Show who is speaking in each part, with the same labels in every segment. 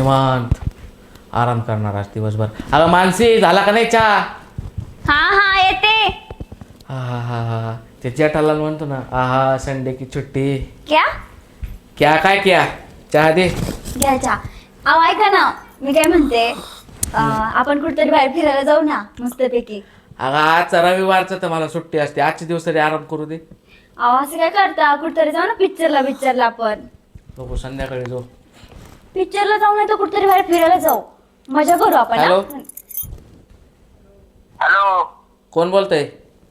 Speaker 1: निवांत आराम करणार आज दिवसभर. अगं मानसी झाला का नाही चहा?
Speaker 2: हा येते.
Speaker 1: हा हा हा हा ते जेठालाल म्हणतो ना, आहा संडे की छुट्टी.
Speaker 2: क्या
Speaker 1: क्या काय क्या चहा दे.
Speaker 2: घ्या चहा. अहो ऐका ना, मी काय म्हणते, आपण कुठेतरी बाहेर फिरायला जाऊ ना मस्तपैकी.
Speaker 1: अगं आजचा रविवारचं तर मला सुट्टी असते, आजचे दिवस तरी आराम करू दे.
Speaker 2: अहो असं काय करता, कुठेतरी जाऊ ना पिक्चरला आपण.
Speaker 1: नको संध्याकाळी जाऊ.
Speaker 2: पिक्चरला जाऊ नाही तर कुठेतरी बाहेर फिरायला जाऊ, मजा करू आपण.
Speaker 1: हॅलो.
Speaker 3: हॅलो.
Speaker 1: कोण बोलतय?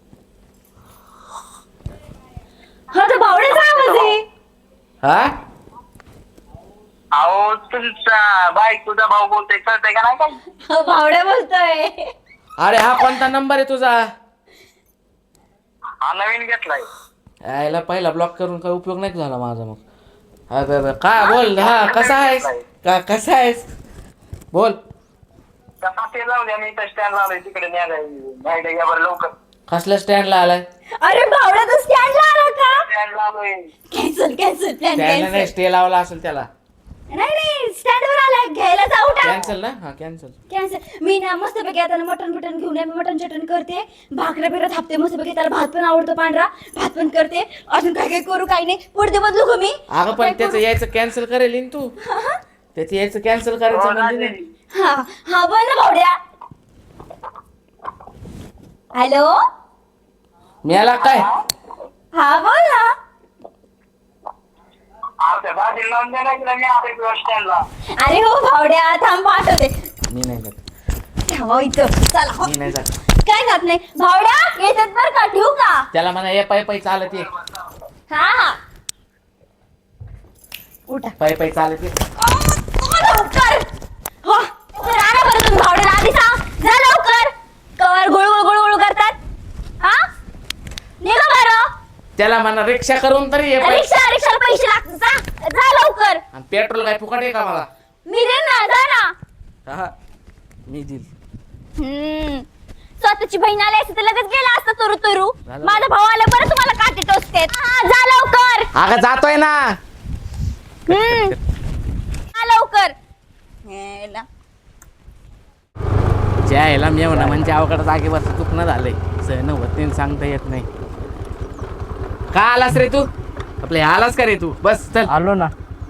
Speaker 2: हा तर भावड्याचा आवाज आहे.
Speaker 1: हा
Speaker 3: अहो तुमचा बायकोचा भाऊ बोलतोय, कळतंय का नाही काय?
Speaker 2: भावड्या बोलतोय.
Speaker 1: अरे हा कोणता नंबर आहे तुझा?
Speaker 3: हा नवीन घेतलाय.
Speaker 1: यायला पहिला ब्लॉक करून काही उपयोग नाही झाला माझा. मग काय बोल. हा कसा आहेस? कसा आहेस बोल.
Speaker 3: कसा ते लावले आणि इथं स्टँड लावलंय, तिकडे न्यायला या बरं लवकर.
Speaker 1: कसल्या स्टँडला आलाय?
Speaker 2: अरे भावड्या तर स्टँडला आला का?
Speaker 3: स्टँड लावलोय.
Speaker 2: कॅन्सल प्लॅन
Speaker 1: स्टँडला नाही,
Speaker 2: कॅन्सल.
Speaker 1: स्टे लावला असेल त्याला.
Speaker 2: नाही स्टँडवर आला, घ्यायला जाऊ ना.
Speaker 1: कॅन्सल ना? हा कॅन्सल.
Speaker 2: कॅन्सल. मी ना मस्तपैकी आता मटन घेऊन मी मटन चटण करते, भाकऱ्या बिकऱ्या थापते मस्तपैकी. त्याला भात पण आवडतो पांढरा, भात पण करते. अजून काय करू काही नाही, पुढे बदलू का मी?
Speaker 1: अगं पण त्याचं यायचं कॅन्सल करेल ना तू. त्याचं यायचं कॅन्सल करायचं म्हणजे नाही.
Speaker 2: हा हा बोल ना भावड्या. हॅलो.
Speaker 1: मिळाला काय?
Speaker 2: हा बोल ना.
Speaker 3: त्या भाजी लावून द्या ना, मी आता स्टँडला.
Speaker 2: अरे हो भावड्या, थांब पाठवते.
Speaker 1: मी नाही जात.
Speaker 2: ठेवा इथं, चला.
Speaker 1: मी नाही जात.
Speaker 2: काय जात नाही भावड्या, येतात बरं का, ठेवू का?
Speaker 1: त्याला म्हणा ये पायी चालत ये.
Speaker 2: हा उठा.
Speaker 1: पायी चालत ये.
Speaker 2: लवकर हो राणा बरं, तुम्ही भावड्याला आधी सांग जा लवकर. कवर गुळगुळ करतात. हा निघा बरं.
Speaker 1: त्याला म्हणा रिक्षा करून तरी ये.
Speaker 2: रिक्षाला पैसे लागतात, जा लवकर.
Speaker 1: आणि पेट्रोल काय फुकट आहे का मला?
Speaker 2: मी देईन ना, जा ना.
Speaker 1: हा मी देईल.
Speaker 2: स्वतःची बहीण आली असते तर लगेच गेला असता तुरु तुरु.
Speaker 1: झालं.
Speaker 2: माझा भाऊ आला बरं तुम्हाला काटे टोचते. जा लवकर.
Speaker 1: अगं जातोय ना.
Speaker 2: जा लवकर. हेला.
Speaker 1: ज्या ह्याला मी म्हणा म्हणजे अवघड जागेवरचं चुकणं झालंय. सहन होत नाही, सांगता येत नाही. का आलास रे तू? आपलं आलास का रे तू? बस चल.
Speaker 4: आलो ना.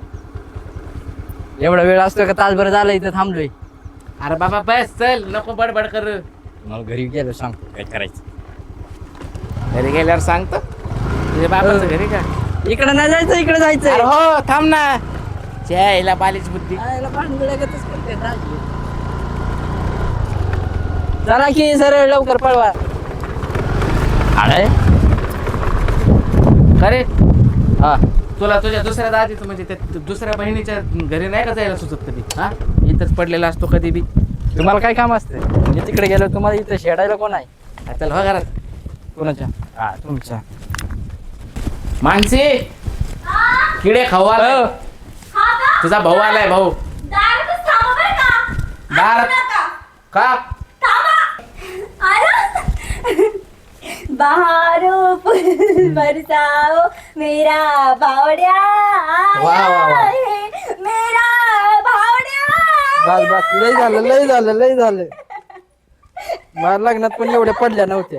Speaker 4: एवढा वेळ असतो का? तासभर झालं इथं थांबलोय.
Speaker 1: अरे बाबा बस चल, नको बडबड कर.
Speaker 4: मला घरी गेलो, सांग काय करायचं.
Speaker 1: घरी गेल्यावर सांगतो. तुझ्या बाबाचं घरी का?
Speaker 4: इकडे नाही जायचं, इकडे
Speaker 1: अरे
Speaker 4: जायचं.
Speaker 1: हो थांब ना. ज्या ह्याला बालीच बुद्धी.
Speaker 4: चला की सरळ लवकर पळवा. अरे
Speaker 1: अरे
Speaker 4: हा,
Speaker 1: तुला तुझ्या दुसऱ्या दादीचं म्हणजे त्या दुसऱ्या बहिणीच्या घरी नाही का जायला सुचत कधी? हा इथंच पडलेला असतो कधी बी.
Speaker 4: तुम्हाला काय काम असते? मी तिकडे गेलो, तुम्हाला इथं शेडायला कोण आहे?
Speaker 1: चल हो घरात.
Speaker 4: कोणाच्या? हा तुमच्या.
Speaker 1: मानसी किडे खाऊ आलाय. तुझा भाऊ आलाय. भाऊ
Speaker 2: दारातच थांबा बरं का.
Speaker 1: दारात?
Speaker 2: नका.
Speaker 1: का?
Speaker 2: बहारो फूल बरसाओ मेरा भावड्या
Speaker 1: वाह, वाह, वाह.
Speaker 2: है, मेरा भावड्या.
Speaker 4: बस बस, लय झालं. मला लग्नात पण एवढ्या पडल्या नव्हत्या.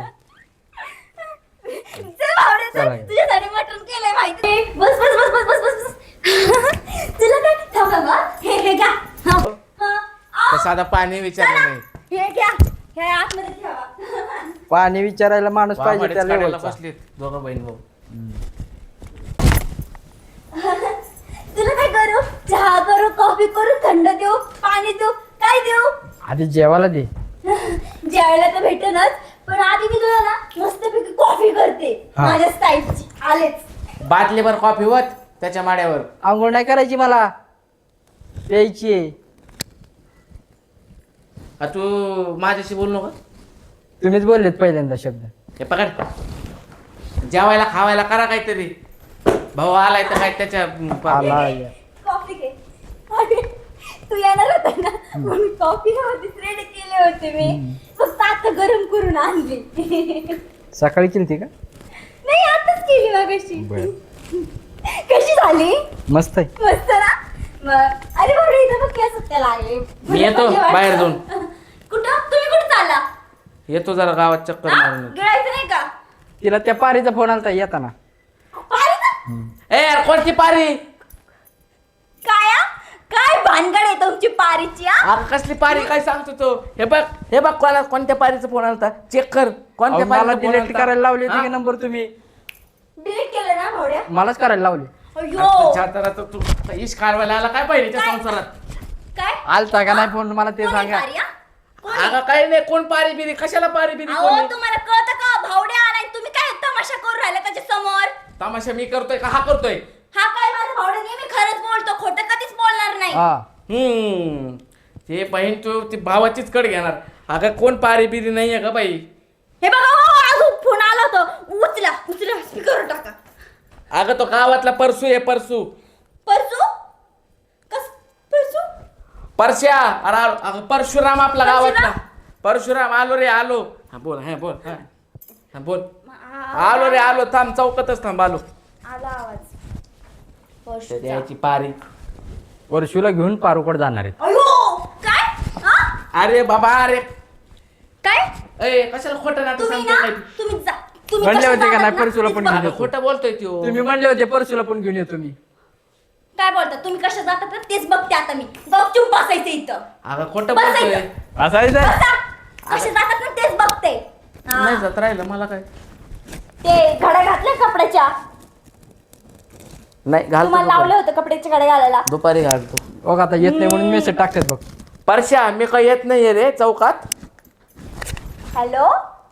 Speaker 2: चल भावड्या, चल.
Speaker 4: चला.
Speaker 2: तुझ्यासाठी मटण केलंय माहिती. बस बस बस बस बस बस बस. तुला काय थांब बा. हे घ्या. हा.
Speaker 1: तर साधा पाणी विचारलं नाही.
Speaker 2: हे घ्या. हे आतमध्ये ठेवा.
Speaker 4: पाणी विचारायला माणूस पाहिजे
Speaker 1: वामडेच
Speaker 4: त्या
Speaker 1: काढायला
Speaker 4: लेवलचा.
Speaker 1: बसलेत दोघं बहीण भाऊ.
Speaker 2: तुला काय करू? चहा करू, कॉफी करू, थंड देऊ, पाणी देऊ, काय देऊ?
Speaker 4: आधी जेवायला दे.
Speaker 2: जेवायला तर भेटेनच, पण आधी मी तुला ना मस्तपैकी कॉफी करते
Speaker 4: हा.
Speaker 2: माझ्या स्टाईलची. आलेच.
Speaker 1: बाटलीभर कॉफी होत त्याच्या माड्यावर.
Speaker 4: आंघोळ नाही करायची, मला प्यायची आहे.
Speaker 1: तू माझ्याशी बोलू नका.
Speaker 4: तुम्हीच बोललेत पहिल्यांदा शब्द.
Speaker 1: हे पकड. जेवायला खावायला करा काहीतरी. भाऊ आलाय तर काय त्याच्या
Speaker 4: आला.
Speaker 2: कॉफी घे. अरे, तू येणार होता ना म्हणून कॉफी आधीच रेडी केले होते मी. फक्त आता गरम करून आणली.
Speaker 4: सकाळी केलती का?
Speaker 2: नाही, आताच केली मगाशी.
Speaker 4: बरं.
Speaker 2: कशी झाली?
Speaker 4: मस्त आहे.
Speaker 2: मस्त ना. अरे बापरे इथं बघ केस सुट्ट्याला आले.
Speaker 1: मी येतो बाहेर जाऊन.
Speaker 2: कुठं तुम्ही कुठं चालला?
Speaker 1: येतो जरा गावात चक्कर मारून येतो.
Speaker 2: गिळायचं नाही का?
Speaker 4: तिला त्या पारीचा फोन आलता येताना.
Speaker 2: पारीचं?
Speaker 1: ए यार कोणती पारी?
Speaker 2: काय हा? काय भानगड आहे तुमची पारीची हा?
Speaker 1: अगं कसली पारी काय सांगतो तो? हे बघ कोणत्या पारीचा फोन आलता चेक कर. कोणत्या
Speaker 4: मला
Speaker 1: पारीचा
Speaker 4: डिलीट
Speaker 1: फोन
Speaker 4: करायला लावली होती
Speaker 1: हा?
Speaker 4: की नंबर तुम्ही?
Speaker 2: डिलीट केलं ना भावड्या?
Speaker 4: मलाच करायला लावली.
Speaker 2: अयो
Speaker 1: तू इश काढवायला आला काय पाहिजे त्या
Speaker 2: काय?
Speaker 1: संसारात?
Speaker 2: काय?
Speaker 4: आलता का नाही फोन मला ते
Speaker 2: कोण आहे
Speaker 4: सांगा.
Speaker 2: पारी, हा? कोण आहे?
Speaker 1: अगं काही नाही कोण पारी बिरी कशाला पारी बिरी
Speaker 2: अहो
Speaker 1: कोणी?
Speaker 2: तुम्हाला कळतं का भावड्या आलाय तुम्ही काय तमाशा करून राहिला त्याच्या समोर?
Speaker 1: तमाशा मी करतोय का हा करतोय?
Speaker 2: हा काय माझा भावड्या नेहमी खरंच बोलतो खोटं कधीच बोलणार नाही.
Speaker 4: हा
Speaker 1: ते बहीण तू ती भावाचीच कड घेणार. अगं कोण पारी बिरी नाहीये का बाई?
Speaker 2: हे बघा हो, अजून फोन आला होता. उचला स्पीकर टाका.
Speaker 1: अगं तो गावातला परसू आहे परसू.
Speaker 2: परसू? कस परसू?
Speaker 1: परश्या अरे अगं परशुराम आपला
Speaker 2: परशुराम?
Speaker 1: गावातला. परशुराम आलो रे आलो. हा बोल हा बोल. आलो रे आलो थांब चौकातच थांब आलो.
Speaker 2: आला आवाज. परशूचा.
Speaker 1: द्यायची पारी.
Speaker 4: वर्षूला घेऊन पारोकड जाणार आहेत.
Speaker 2: अयो काय हा?
Speaker 1: अरे बाबा अरे
Speaker 2: काय
Speaker 1: ए कशाला खोटं नाटक
Speaker 2: तुम्ही
Speaker 1: सांगतो
Speaker 2: ना
Speaker 1: काय?
Speaker 2: तुम्ही जा तुम्ही
Speaker 4: म्हणले
Speaker 2: कशा
Speaker 4: होते का
Speaker 2: जातात
Speaker 4: नाही
Speaker 2: ना,
Speaker 4: परशूला पण
Speaker 2: तीच
Speaker 4: घेऊन
Speaker 2: बघा.
Speaker 4: येतो.
Speaker 1: खोटं बोलतोय तो.
Speaker 4: तुम्ही म्हणले होते परशूला पण घेऊन येतो मी.
Speaker 2: काय बोलता तुम्ही कशा जातात ना तेच बघते आता मी. गपचूप बसायचं इथं.
Speaker 1: अगं खोटं
Speaker 2: बसायचं.
Speaker 1: बोलतोय.
Speaker 4: असायचं
Speaker 2: बसा. कशा जातात ना तेच बघते. हा.
Speaker 1: नाही जात राहिलं मला काय.
Speaker 2: ते घड्या घातल्या कपड्याच्या.
Speaker 1: नाही घालतो
Speaker 2: तुम्हाला लावले
Speaker 1: दुपारी.
Speaker 2: होते कपड्याचे घडे घालायला.
Speaker 1: दुपारी घालतो.
Speaker 4: बघ आता येत नाही म्हणून मेसेज टाकतात बघ.
Speaker 1: परश्या मी काही येत नाहीये रे चौकात.
Speaker 2: हॅलो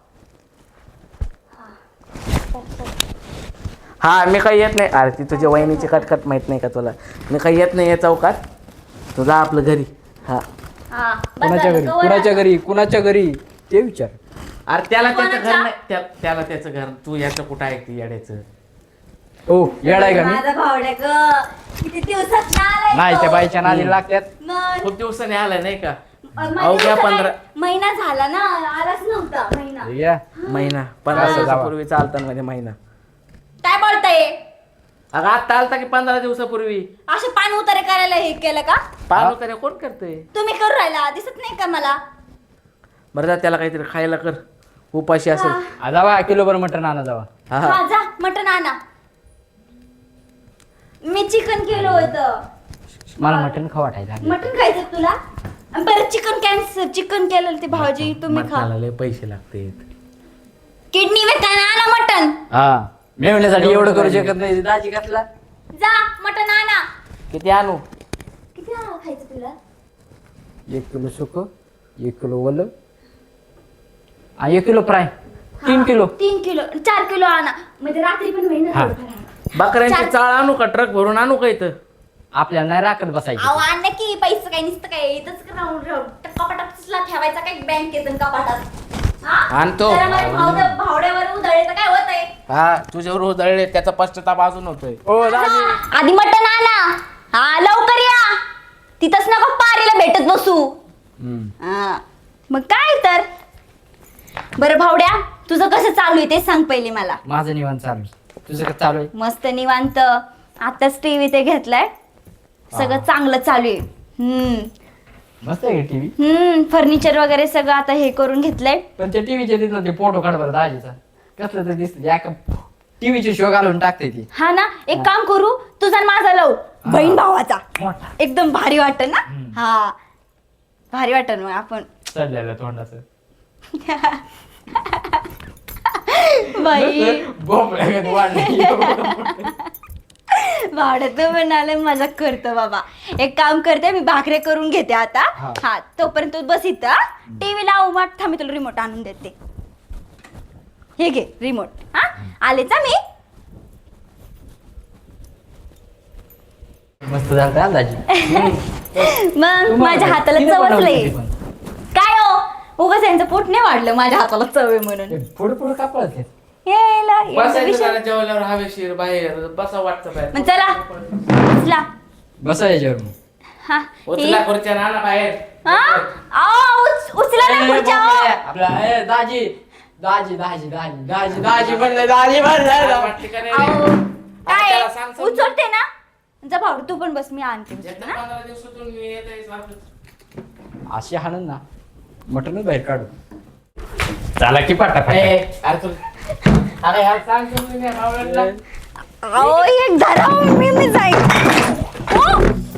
Speaker 1: हा मी काही येत नाही. अरे ती तुझ्या वहिनीची कटकट माहित नाही का तुला? मी काही येत नाहीये चौकात. तू जा आपलं घरी. हा
Speaker 2: हा
Speaker 4: कुणाच्या घरी कुणाच्या घरी ते विचार.
Speaker 1: अरे त्याला त्याचं घर
Speaker 2: कोणाच्या?
Speaker 1: नाही त्याला त्याचं घर. तू याचं कुठं आहे ती येड्याचं?
Speaker 4: हो येडाय का मी?
Speaker 2: माझा भावड्या ग किती दिवसात ना आलाय
Speaker 4: नाही
Speaker 2: तो.
Speaker 4: त्या बाईच्या नादी लागतात.
Speaker 2: मग
Speaker 1: खूप दिवसाने आलाय नाही का?
Speaker 2: माझ्या
Speaker 1: अवघ्या
Speaker 2: दिवसात
Speaker 1: 15
Speaker 2: महिना झाला ना आलाच नव्हता महिना.
Speaker 4: या
Speaker 1: महिना 15
Speaker 4: असं जावा.
Speaker 1: दिवसापूर्वी चालतात मध्ये महिना.
Speaker 2: काय बोलताय?
Speaker 1: अगं आता आलता की 15 दिवसापूर्वी.
Speaker 2: असे पान उतारे करायला हे केलं का?
Speaker 1: पाहू तरी कोण करतोय?
Speaker 2: तुम्ही करू राहिला दिसत नाही का मला?
Speaker 1: बरं जा त्याला काहीतरी खायला कर. उपाशी असेल.
Speaker 4: जावा किलोभर मटण आणा जावा.
Speaker 1: हा
Speaker 2: हा जा मटण आणा. मी चिकन केलं होतं.
Speaker 4: मला मटण खाऊ वाटायला.
Speaker 2: मटण खायचं तुला? आणि परत चिकन केलं ते भाऊजी तुम्ही खा.
Speaker 1: मटणाला लय पैसे लागते.
Speaker 2: किडनी विकायला आणा मटण.
Speaker 4: हा मेवण्यासाठी एवढं करू शकत नाही. दाजी घातला.
Speaker 2: जा मटण आणा.
Speaker 1: किती आणू?
Speaker 2: किती आणा खायचं तुला?
Speaker 4: 1 किलो सुक 1 किलो ओलं 1 kilo fry 3 kilo.
Speaker 2: 3 kilo 4 kilo आणा म्हणजे रात्री पण होईल ना
Speaker 4: हा.
Speaker 2: थोडंफार.
Speaker 1: बकऱ्यांची
Speaker 2: चार-
Speaker 1: चाळ आणू का? ट्रक भरून आणू का इथं?
Speaker 4: आपल्याला नाही राखत बसायची.
Speaker 2: अहो आण की पैसे काय नसतं काय इथंच राहून कपाटातला ठेवायचा काय बँकेत आणि कपाटात. हा?
Speaker 1: आणतो.
Speaker 2: जरा माझ्या भावड्यावर उधळले तर काय होतंय?
Speaker 1: हा तुझ्यावर उधळले त्याचा पश्चाताप अजून होतोय.
Speaker 4: हो दाजी.
Speaker 2: आधी मटण आणा. हा लवकर या. तिथंच नको पारीला भेटत बसू. हा. मग काय तर बरं भावड्या तुझं कसं चालू आहे ते सांग पहिले मला.
Speaker 4: माझं निवांत चालू आहे. तुझं कसं चालू आहे?
Speaker 2: मस्त निवांत. आताच टीव्ही ते घेतलाय. सगळं चांगलं चालू आहे.
Speaker 4: मस्त आहे टीव्ही.
Speaker 2: फर्निचर वगैरे सगळं आता हे करून घेतलंय.
Speaker 4: पण ते टीव्हीचे तिथलं ते फोटो काढ बरं दाजीचा. कसलं तर दिसतं टीव्हीचे शो घालून टाकते ती.
Speaker 2: हा ना एक काम करू तुझा आणि माझा लव बहीण भावाचा
Speaker 4: मोठा
Speaker 2: एकदम भारी वाटत ना. हा भारी वाटत मग आपण
Speaker 4: चढलेलं तोंडाचं.
Speaker 2: बाई
Speaker 4: बोंबल्यागत वाढलं.
Speaker 2: भावड्या तू म्हणाले मजा करतो बाबा. एक काम करते मी भाकरे करून घेते आता.
Speaker 4: हा.
Speaker 2: हा तोपर्यंत तू बस इथं टीव्ही लावू वाट थांब मी तुला रिमोट आणून देते. हे घे रिमोट. हा आलेच हा मी.
Speaker 4: मस्त झालं का दाजी?
Speaker 2: मग माझ्या हाताला चवचलंय. काय हो उगाच यांचं पोट नाही वाढलं माझ्या हाताला चव आहे म्हणून.
Speaker 4: पुढे पुढे का पळत आहेत?
Speaker 2: यायला यांचा
Speaker 1: बसायचं
Speaker 2: विषय.
Speaker 1: जरा जेवल्यावर हवेशीर बाहेर बसा वाटतं बाहेर.
Speaker 2: मग चला उचला.
Speaker 4: बसा याच्यावर मग.
Speaker 2: हा
Speaker 1: उचला खुर्च्या ना बाहेर.
Speaker 2: हा? अहो, उचला ना खुर्च्या, अहो.
Speaker 4: आपला दाजी दाजी दाजी दाजी दाजी दाजी म्हणलं दाजी म्हणलं.
Speaker 1: वाटते का नाही रे?
Speaker 2: अहो,
Speaker 1: आता
Speaker 2: काय
Speaker 1: त्याला सांग समजून.
Speaker 2: उचलते ना जा भावड्या तू पण बस, मी आणते
Speaker 1: एकदा
Speaker 2: ना.
Speaker 1: 15 दिवसातून मी येतोय सारखं.
Speaker 4: अशी हाणून ना मटणच बाहेर काढू. चला की पाटा
Speaker 1: ए, अरे अरे यार सांग तुम्ही नाही भावड्याला.
Speaker 2: अहो एक धरा मी जाईन. हो.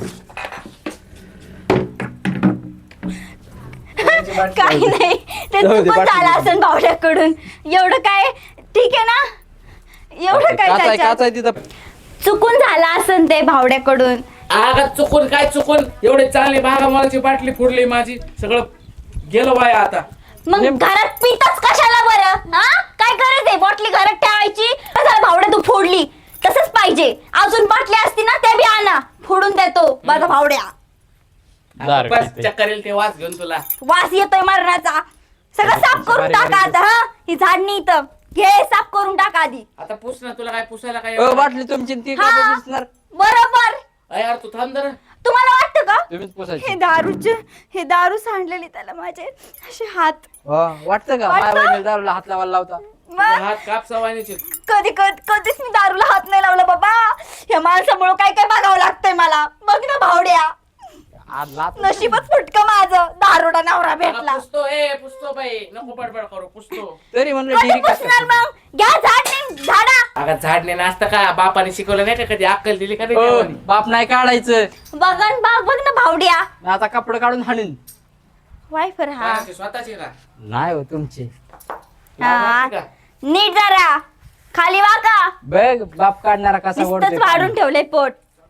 Speaker 2: काही नाही, ते
Speaker 4: जाऊ दे,
Speaker 2: चुकून
Speaker 4: पाठवून
Speaker 2: झालं
Speaker 4: दे.
Speaker 2: असेल भावड्याकडून. एवढं काय, ठीक आहे ना, एवढं काय त्याच्यात.
Speaker 4: काचाय तिथं.
Speaker 2: चुकून झालं असेल ते भावड्याकडून.
Speaker 1: अगं चुकून काय चुकून, एवढे चांगली भागामालाची बाटली फुडली माझी, सगळं गेलं बाया आता.
Speaker 2: मग घरात पितच कशाला बरं? हा काय गरज आहे बॉटली घरात ठेवायची? झालं भावड्या तू फोडली, तसंच पाहिजे. अजून बाटली असती ना ते बी आणा, फोडून देतो माझा भावड्या.
Speaker 4: दारू
Speaker 1: बस
Speaker 4: पिते.
Speaker 1: चक्कर येईल ते वास घेऊन तुला.
Speaker 2: वास येतोय मरणाचा. सगळं साफ करून
Speaker 4: बारीक
Speaker 2: टाका
Speaker 4: बारीक
Speaker 2: आता. हा ही झाडणी इथं घे, साफ करून टाका आधी.
Speaker 1: आता पुस ना, तुला काय पुसायला काय
Speaker 4: बाटली तुमची ती
Speaker 2: हा
Speaker 4: का दिसणार.
Speaker 2: बरोबर.
Speaker 1: अरे यार तू थांब जरा.
Speaker 2: तुम्हाला वाटतं का
Speaker 4: तुम्हीच पुसायची.
Speaker 2: हे दारू सांडलेली त्याला माझे असे हात.
Speaker 4: वाटतं का
Speaker 2: वाटतं?
Speaker 4: माझ्या बहिणीला दारूला हात लावायला लावता.
Speaker 1: तुझे
Speaker 2: मग
Speaker 1: हात काप सवानीचे.
Speaker 2: कधीच मी दारूला हात नाही लावला बाबा. या माणसामुळे काय काय बघावं लागतंय मला. बघ ना भावड्या,
Speaker 4: आज लात
Speaker 2: नशीबच फुटकं माझं, दारोडा नवरा भेटला.
Speaker 1: पुसतो बाई, नको बडबड करू, पुसतो.
Speaker 4: तरी म्हणलं
Speaker 2: कधी
Speaker 4: डिरी
Speaker 2: पुसणार मग? घ्या झाड नाही झाडा.
Speaker 1: अगं झाडणे नसतं का, बापाने शिकवलं नाही का कधी, अक्कल दिली का नाही देवानी?
Speaker 4: बाप नाही काढायचं.
Speaker 2: बघन बघ ना भावड्या.
Speaker 4: आता कपडे काढून हाणून.
Speaker 2: वायफर हा
Speaker 1: कोणाची, स्वतःची का?
Speaker 4: नाही हो तुमचे.
Speaker 1: तुला माहिती का?
Speaker 2: नीट जरा खाली वाका.
Speaker 4: बघ बाप काढणारा कसा
Speaker 2: नुसतंच वाढून ठेवलंय पोट.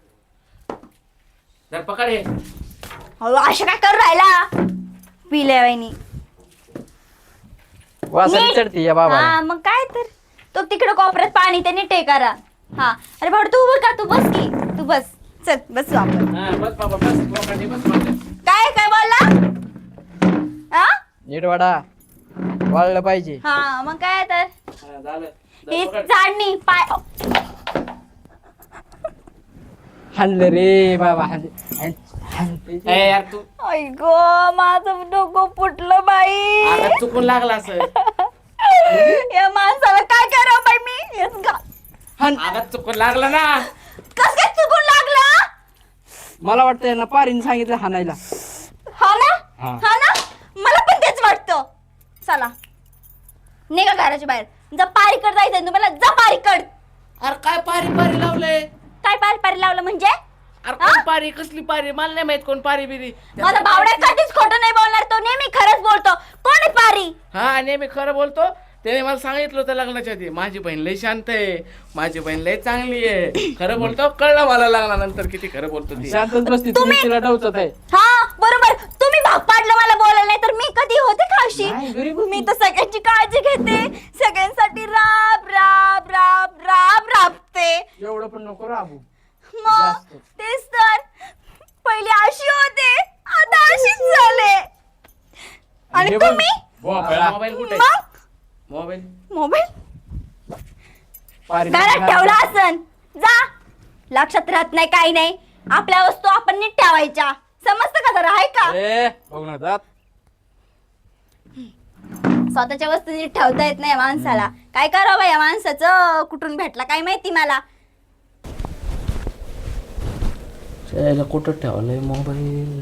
Speaker 1: जर पकड हे.
Speaker 2: अहो असं काय करू राहिला पिल्या वहिनी.
Speaker 4: वासरी
Speaker 2: नीट.
Speaker 4: चढते या बाबा.
Speaker 2: हा मग काय तर, तो तिकडे कोपऱ्यात पाणी त्याने टे करा. हा अरे भाऊ तू उभं का, तू बस की, तू बस. चल बस आपण.
Speaker 1: हा, बस बाबा बस, बोकांडी बस माझ्या.
Speaker 2: काय काय बोलला? हा
Speaker 4: नीट वाडा वाळलं पाहिजे.
Speaker 2: हा मग काय तर,
Speaker 1: हा, झालं.
Speaker 2: ही
Speaker 1: जर पकड.
Speaker 2: झाडणी पाय.
Speaker 4: हाणलं रे बाबा हाणलं.
Speaker 1: ए यार तू,
Speaker 2: आई गो माझं डोकं फुटलं बाई.
Speaker 1: अगं चुकून लागला असं.
Speaker 2: या माणसाला काय करावं बाई मी? हेच गा-
Speaker 1: अगं चुकून लागला ना.
Speaker 2: कस काय चुकून लागलं?
Speaker 4: मला वाटतं ना पारीने सांगितलं हाणायला.
Speaker 2: हा ना
Speaker 4: हा.
Speaker 2: हा ना, मला पण तेच वाटतं. चला निघा घराच्या बाहेर. जा पारीकड जायचंय तुम्हाला, जा पारीकड.
Speaker 1: अरे काय पारी पारी लावलंय?
Speaker 2: काय पारी लावलं म्हणजे?
Speaker 1: अरे कोण पारी, कसली पारी? मला नाही माहित कोण पारी बिरी.
Speaker 2: माझा भावड्या कधीच खोटं नाही बोलणार, तो नेहमी खरंच बोलतो. कोण आहे पारी?
Speaker 1: हा नेहमी खरं बोलतो. त्याने मला सांगितलं होतं लग्नाच्या आधी, माझी बहीण लय शांत आहे, माझी बहीण लय चांगली आहे, खरं बोलतो. कळलं मला लग्नानंतर किती खरं बोलतो ती.
Speaker 4: शांतच बसती तुम्ही तिला डवचत आहे.
Speaker 2: हा बरोबर, तुम्ही भाग पाडलं मला बोलायला, नाही तर मी कधी होते का अशी?
Speaker 4: नाही, गरीब होती.
Speaker 2: मी तर सगळ्यांची काळजी घेते, सगळ्यांसाठी राब राब राब राब राबते.
Speaker 4: एवढं पण नको राबू.
Speaker 2: मग
Speaker 4: जास्त.
Speaker 2: तेच तर, पहिले अशी होते, आता अशीच झाले. आणि
Speaker 4: हे बघ,
Speaker 2: तुम्ही
Speaker 1: मोबाईल कुठे?
Speaker 2: मग
Speaker 1: मोबाईल
Speaker 2: मोबाईल
Speaker 4: पारीने
Speaker 2: घरात ठेवला असन. जा, लक्षात राहत नाही काही नाही. आपल्या वस्तू आपण नीट ठेवायच्या, समजतं का जरा? आहे का?
Speaker 4: ए, बघ ना जात.
Speaker 2: स्वतःच्या वस्तू नीट ठेवता येत नाही या माणसाला. काय करावं या माणसाचं, कुठून भेटला काय माहिती मला.
Speaker 1: त्याला कुठं ठेवलंय मोबाईल?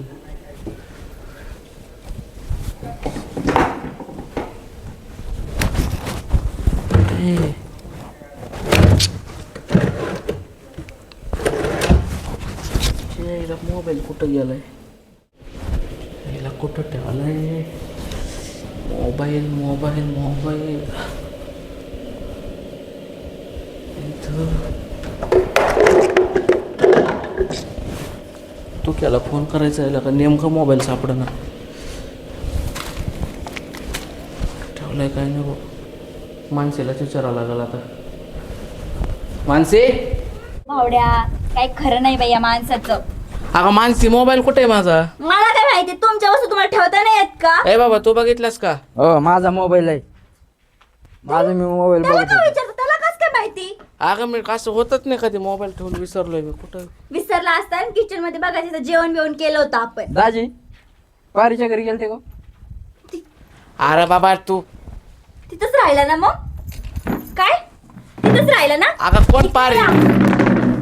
Speaker 1: मोबाईल कुठं गेलाय? याला कुठं ठेवलाय मोबाईल? मोबाईल मोबाईल तू केला फोन करायचा आहे का? नेमका मोबाईल सापडना. ठेवलाय काय नाही बघ. माणसेलाच विचारावं लागेल आता. मानसी,
Speaker 2: भावड्या काय खरं नाही बाई या माणसाचं.
Speaker 1: अगं मानसी मोबाईल कुठे आहे माझा?
Speaker 2: मला काय माहिती, तुमच्या वस्तू तुम्हाला ठेवता नाही येत का?
Speaker 1: ए बाबा तू बघितलास का?
Speaker 4: हो माझा मोबाईल आहे. माझा मी मोबाईल
Speaker 2: त्याला
Speaker 4: बघत
Speaker 2: काय
Speaker 4: होतो.
Speaker 2: विचारतो, त्याला कस काय माहिती?
Speaker 1: अगं मी असं होतच नाही कधी, मोबाईल ठेवून विसरलोय मी कुठं.
Speaker 2: विसरला असता किचन मध्ये बघायचं, जेवण बिवण केलं होतं आपण.
Speaker 4: दाजी पारीच्या घरी गेलते का?
Speaker 1: अरे बाबा तू,
Speaker 2: तिथंच राहिला ना मग? काय तिथंच राहिला ना?
Speaker 1: अगं कोण पारी?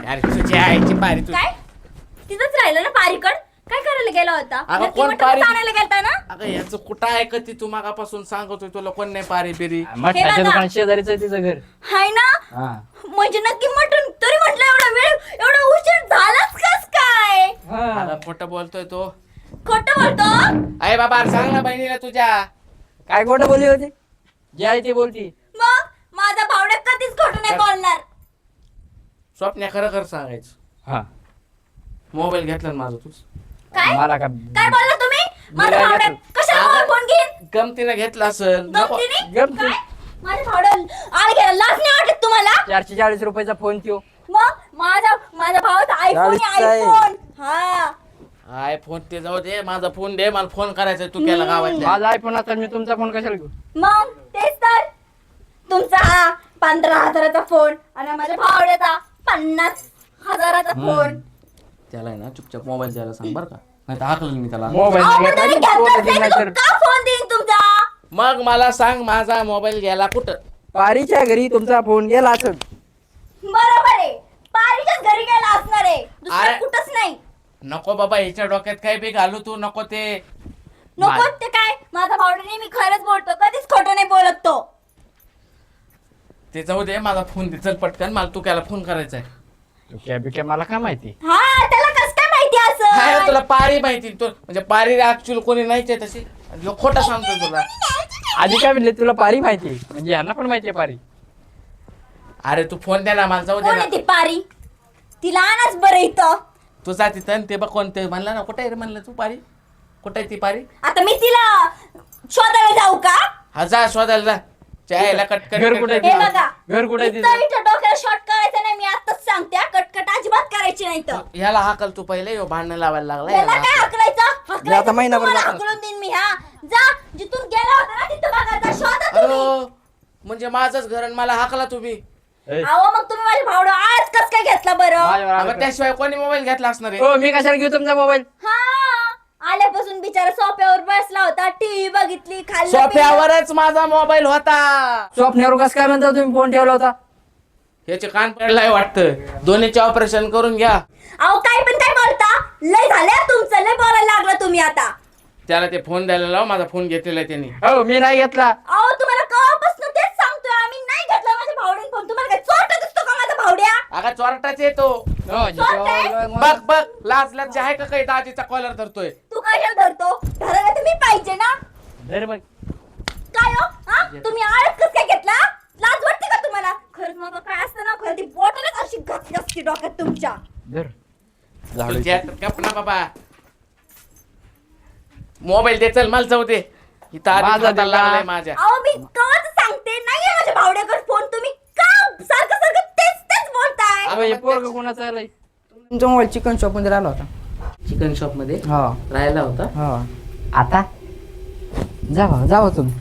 Speaker 1: अरे तुझी आईची पारी तू
Speaker 2: काय तिथंच राहिलं ना पारीकड काय करायला गेला होता
Speaker 1: अगं,
Speaker 2: नक्की
Speaker 1: कोण
Speaker 2: मटण
Speaker 1: पारी?
Speaker 2: आणायला गेलता ना
Speaker 1: अगं याचं कुठं आहे का ती तू मागापासून सांगतोय तुला कोण नाही पारी बिरी
Speaker 4: मठाच्या
Speaker 2: बघा.
Speaker 4: दुकान शेजारीच आहे तिचं घर
Speaker 2: हाय ना
Speaker 4: हा
Speaker 2: म्हणजे नक्की मटण तरी म्हटलं एवढा वेळ एवढा उशीर झालाच कस काय
Speaker 4: हा.
Speaker 1: अगं खोटं बोलतोय तो
Speaker 2: खोटं बोलतो
Speaker 1: अरे बाबा सांग ना बहिणीला तुझ्या
Speaker 4: काय खोटं बोलली होती जे आहे ते बोलती
Speaker 2: मग माझा भावड्या कधीच खोटं नाही बोलणार
Speaker 1: स्वप्न्या खरं खरं सांगायचं
Speaker 4: हा
Speaker 1: मोबाईल घेतला ना माझा तूच
Speaker 2: काय
Speaker 4: मला का
Speaker 2: काय बोलला तुम्ही माझा
Speaker 4: नाही
Speaker 2: भावड्या
Speaker 4: घेतलं.
Speaker 2: कशाला मला फोन घेईन
Speaker 1: गमतीनं घेतला असेल नको.
Speaker 2: गमतीने?
Speaker 4: गमती.
Speaker 2: काय? माझ्या भावड्या आळ घ्यायला लाज नाही वाटत तुम्हाला
Speaker 4: 440 रुपयाचा फोन त्यो
Speaker 2: मग माझ्या भावाचा आयफोन
Speaker 4: चाळीसचा आहे.
Speaker 2: आयफोन हा
Speaker 1: आय फोन ते जाऊ दे माझा फोन दे मला फोन करायचा तू केला गावातल्या
Speaker 4: माझा आयफोन आता मी तुमचा फोन कशाला घेऊ
Speaker 2: मग तेच तर तुमचा हा 15,000चा फोन आणि माझ्या भावड्याचा 50,000चा फोन
Speaker 1: त्याला आहे ना चुपचाप मोबाईल द्यायला सांग बरं का नाही तर हाकलं मी त्याला
Speaker 4: मोबाईल
Speaker 2: अहो, पण
Speaker 4: घेतला
Speaker 2: तुम्ही
Speaker 4: की
Speaker 2: घेतलाच
Speaker 4: फोन
Speaker 2: नाही
Speaker 4: नाही
Speaker 2: तर
Speaker 4: तर
Speaker 2: का फोन देईन तुमचा
Speaker 1: मग मला सांग माझा मोबाईल गेला कुठं
Speaker 4: पारीच्या घरी तुमचा फोन गेला असेल
Speaker 2: बरोबर आहे पारीच्याच घरी गेला असणार आहे दुसरं
Speaker 1: अरे.
Speaker 2: कुठंच नाही
Speaker 1: नको बाबा हिच्या डोक्यात काही बी घालू तू नको ते
Speaker 2: नको ते काय माझा भावडा नेहमी खरंच बोलतो कधीच खोटं नाही बोलत तो
Speaker 1: ते जाऊ दे माझा फोन दे चल पटकन मला तू त्याला फोन करायचा आहे
Speaker 4: क्या बिक्या मला काय माहिती
Speaker 2: हा त्याला कस काय माहिती
Speaker 1: काय
Speaker 2: असं
Speaker 1: तुला पारी माहिती तू म्हणजे पारी ऍक्च्युअली कोणी नाहीच आहे तशी ह्यो खोटा सांगतोय तुला
Speaker 4: आधी काय म्हणले तुला पारी माहिती आहे? म्हणजे यांना पण माहिती आहे पारी
Speaker 1: अरे तू फोन दे ना मला जाऊ दे
Speaker 2: कोण
Speaker 1: ना
Speaker 2: आहे ती पारी तिला आणाच बरं इथं
Speaker 1: तू जा तिथं आणि ते बघ कोणते म्हणला ना कुठे आहे रे म्हणलं तू पारी कुठे आहे ती पारी
Speaker 2: आता मी तिला शोधायला जाऊ का
Speaker 1: हा जा शोधायला जा चायला कटकट
Speaker 4: घर कुठे
Speaker 2: हे बघा
Speaker 4: घर कुठे आहे
Speaker 2: इथं इथं डोक्याला शॉर्ट करायचं नाही मी आताच सांगते हा. कटकट अजिबात करायची नाही तर
Speaker 1: ह्याला हाकल तू पहिले ह्यो भांडण लावायला लागला
Speaker 2: याला
Speaker 1: याला
Speaker 2: काय
Speaker 1: हाकल.
Speaker 2: हकलायचं
Speaker 4: आता महिनाभर
Speaker 2: तुम्हाला
Speaker 4: जातो.
Speaker 2: हकलून देईन मी हा जा जिथून गेला होता ना तिथं बघा जा शोधा तुम्ही
Speaker 1: अरे म्हणजे माझंच घर आणि मला हाकला तुम्ही
Speaker 4: ए,
Speaker 2: अहो मग तुम्ही माझ्या भावडा आज कस काय घेतला बरं
Speaker 4: माझ्यावर आलं
Speaker 1: अगं
Speaker 4: का?
Speaker 1: त्याशिवाय कोणी मोबाईल घेतला असणार आहे
Speaker 4: हो मी कशाला घेऊ तुमचा मोबाईल
Speaker 2: हा आल्यापासून बिचारा सोफ्यावर बसला होता टीव्ही बघितली खाल्लं पिलं.
Speaker 1: सोफ्यावरच माझा मोबाईल होता
Speaker 4: स्वप्नावर कसं काय म्हणता तुम्ही फोन ठेवला होता
Speaker 1: ह्याचे कान पडलाय वाटतं दोन्हीचे ऑपरेशन करून घ्या
Speaker 2: अहो काय पण काय बोलता लय झालं तुमचं लय बोलायला लागला तुम्ही आता
Speaker 1: त्याला ते फोन द्यायला लाव माझा फोन घेतलेला आहे त्यांनी
Speaker 4: हो मी नाही घेतला
Speaker 2: अहो तुम्हाला कवापासून तेच सांगतोय आम्ही नाही घेतला माझ्या भावड्याने फोन तुम्हाला काय चोरटा दिसतो का माझा भावड्या
Speaker 1: अगं चोरटाच येतो
Speaker 4: हो,
Speaker 1: बघ बघ लाज लाज आहे का काही दाजीचा कॉलर धरतोय
Speaker 2: तू कशाला धरतो धरायला तर मी पाहिजे ना
Speaker 4: धर बघ.
Speaker 2: काय हो हा तुम्ही आळस कस काय घेतला लाज वाटते का तुम्हाला खरंच मग काय असतं ना खरं ती बॉटलच अशी घसघसती डोक्यात तुमच्या
Speaker 4: धर.
Speaker 1: तुझ्या गप ना बाबा मोबाईल दे चल मला जाऊ दे इथं आधी
Speaker 4: माझा
Speaker 1: खाता
Speaker 4: दे
Speaker 1: लागलाय
Speaker 4: का?
Speaker 1: माझ्या
Speaker 2: अहो मी कवाच सांगते नाहीये माझ्या भावड्याकडे फोन तुम्ही का सारखं सारखं तेच तेच बोलताय
Speaker 4: अबे, हे पोरगं कोणाचं आलंय
Speaker 5: तुमचा मोबाईल चिकन शॉप मध्ये राहिला होता
Speaker 1: चिकन शॉप मध्ये
Speaker 5: हो
Speaker 1: राहायला होता
Speaker 5: हो आता जावा जावा तुम्ही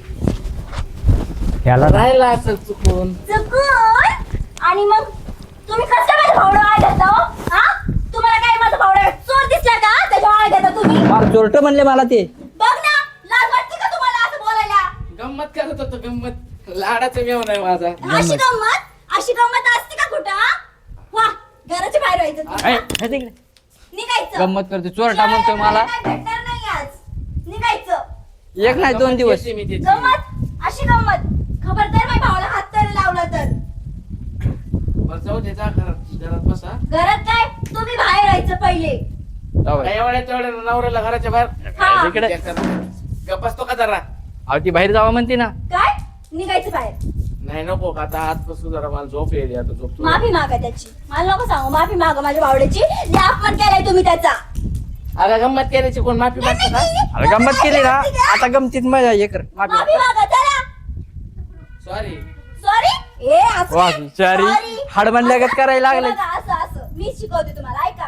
Speaker 5: याला
Speaker 1: राहायला असं चुकून
Speaker 2: चुकून आणि मग तुम्ही कसं काय माझ्या भावड्या आळ घेता हो? हा तुम्हाला काय माझा भावड्या चोर दिसला का त्याच्या आळ घेता तुम्ही
Speaker 5: मला चोरट म्हणले मला ते
Speaker 2: बघ ना लाज वाटते का तुम्हाला असं बोलायला
Speaker 1: गंमत करत होतो गंमत लाडाचं मेव नाही माझा
Speaker 2: अशी गंमत असते का कुठं हा? वा घराच्या बाहेर व्हायचं तुम्ही.
Speaker 4: ऐ, हे तिकडे.
Speaker 2: निघायचं
Speaker 5: गंमत करते चोरटा म्हणतोय मला
Speaker 2: काय भेटणार नाही आज निघायचं
Speaker 5: एक नाही 2 दिवस
Speaker 1: येते मी तिथे.
Speaker 2: गंमत अशी गंमत खबरदार माझ्या भावाला हात तरी लावला तर
Speaker 1: बरं, जाऊ दे जा घरात बसा
Speaker 2: घरात काय तुम्ही बाहेर राहायचं पहिले
Speaker 4: जाऊ दे.
Speaker 1: काय एवढ्या तेवढ्या नवऱ्याला घराच्या बाहेर
Speaker 2: हा.
Speaker 4: इकडे
Speaker 1: गप बसतो का जरा
Speaker 4: अहो ती बाहेर जावा म्हणते ना
Speaker 2: काय निघायचं बाहेर
Speaker 1: नाही नको का आता हात बसू जरा मला झोप येईल आता झोपतो
Speaker 2: माफी मागा त्याची मला नको सांगू माफी मागा माझ्या भावड्याची लय अपमान केलाय तुम्ही त्याचा
Speaker 1: अगं गंमत करायची कोण माफी मागतो का
Speaker 4: अरे गंमत केली ना आता गमतीत मजा हे कर माफी
Speaker 2: माफी मागा चला
Speaker 1: सॉरी
Speaker 2: सॉरी ए असं
Speaker 4: वा,
Speaker 2: नाही.
Speaker 4: sorry.
Speaker 2: Sorry.
Speaker 4: हाडमनल्यागत
Speaker 2: असं-
Speaker 4: करायला लागले.
Speaker 2: हे बघा, असं असं मी शिकवते तुम्हाला ऐका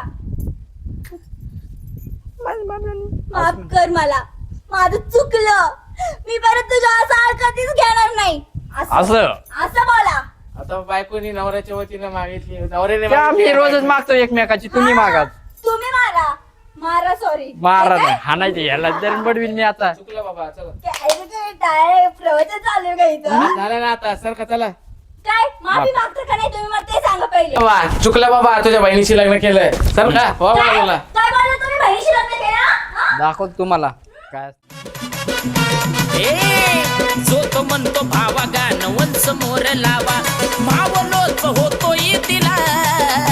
Speaker 2: माफ कर मला माझं चुकलं मी परत तुझ्या असं आळ कधीच घेणार नाही
Speaker 4: असं
Speaker 2: असं बोला
Speaker 1: आता बायकोनी नवऱ्याच्या वतीनं मागितली नवऱ्याने
Speaker 4: त्या आम्ही
Speaker 1: मागितली.
Speaker 4: रोजच मागतो एकमेकाची तुम्ही मागा
Speaker 2: तुम्ही मारा मारा सॉरी
Speaker 4: मारा नाही हाणायचे ह्याला दरण बडवीन मी आता
Speaker 1: चुकलं बाबा चला
Speaker 2: प्रवचन चालू आहे का इथं
Speaker 1: झालं ना आता सारखं चला
Speaker 2: काय माफी मागता का नाही तुम्ही मला ते सांगा पहिले.
Speaker 1: बाबा चुकलं बाबा, तुझ्या बहिणीशी लग्न केलं सर का हो
Speaker 2: काय
Speaker 1: बाबा तुला.
Speaker 2: काय बोलला तुम्ही बहिणीशी लग्न केलं हा?
Speaker 4: दाखव तुम्हाला काय
Speaker 6: जो तो म्हणतो भावा गाणं समोर लावा, भावलोच होतो तिला